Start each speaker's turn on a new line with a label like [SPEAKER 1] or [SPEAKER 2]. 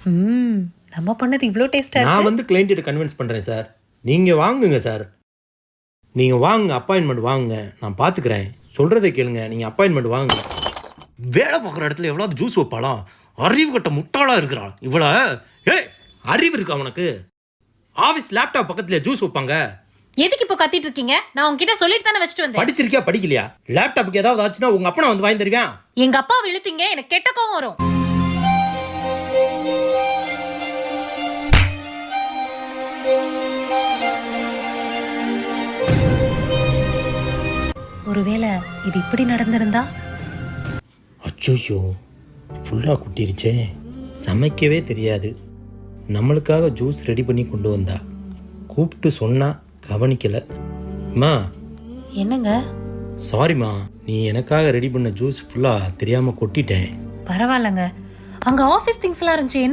[SPEAKER 1] ம் நம்ம பண்ணது இவ்வளோ டேஸ்டா
[SPEAKER 2] நான்
[SPEAKER 1] இருக்கு.
[SPEAKER 2] வந்து கிளைண்ட்டை கன்வின்ஸ் பண்ணுறேன் சார். நீங்கள் வாங்குங்க சார். நீங்கள் வாங்குங்க, அப்பாயின்மெண்ட் வாங்குங்க, நான் பார்த்துக்கிறேன். சொல்கிறத கேளுங்க, நீங்கள் அப்பாயின்மெண்ட் வாங்குங்க. வேலை பார்க்குற இடத்துல எவ்வளோ ஜூஸ் வைப்பாளா? அறிவு கட்ட முட்டாளாக இருக்கிறாள் இவ்வளோ. ஏய், அறிவு இருக்கா உனக்கு? ஆஃபீஸ் லேப்டாப் பக்கத்தில் ஜூஸ் வைப்பாங்க.
[SPEAKER 1] எதுக்கு இப்போ கத்திட்டு இருக்கீங்க? நான் உங்ககிட்ட சொல்லிட்டு தானே வச்சுட்டு வந்தேன்.
[SPEAKER 2] படிச்சிருக்கியா படிக்கலையா? லேப்டாப்புக்கு ஏதாவது ஆச்சுன்னா உங்கள் அப்பா வந்து வாங்கி தருவேன்.
[SPEAKER 1] எங்க அப்பா இழுத்தீங்க, எனக்கு கெட்ட கோவம் வரும். ஒருவேளை இது இப்படி நடந்திருந்தா?
[SPEAKER 2] அச்சோ, ஃபுல்லாக குட்டிருச்சே. சமைக்கவே தெரியாது, நம்மளுக்காக ஜூஸ் ரெடி பண்ணி கொண்டு வந்தா. கூப்பிட்டு சொன்னா கவனிக்கலை. மா
[SPEAKER 1] என்னங்க?
[SPEAKER 2] சாரிம்மா, நீ எனக்காக ரெடி பண்ண ஜூஸ் ஃபுல்லாக தெரியாமல் கொட்டிட்டேன்.
[SPEAKER 1] பரவாயில்லங்க. அங்க ஆபீஸ் திங்ஸ்லாம் இருந்துச்சு.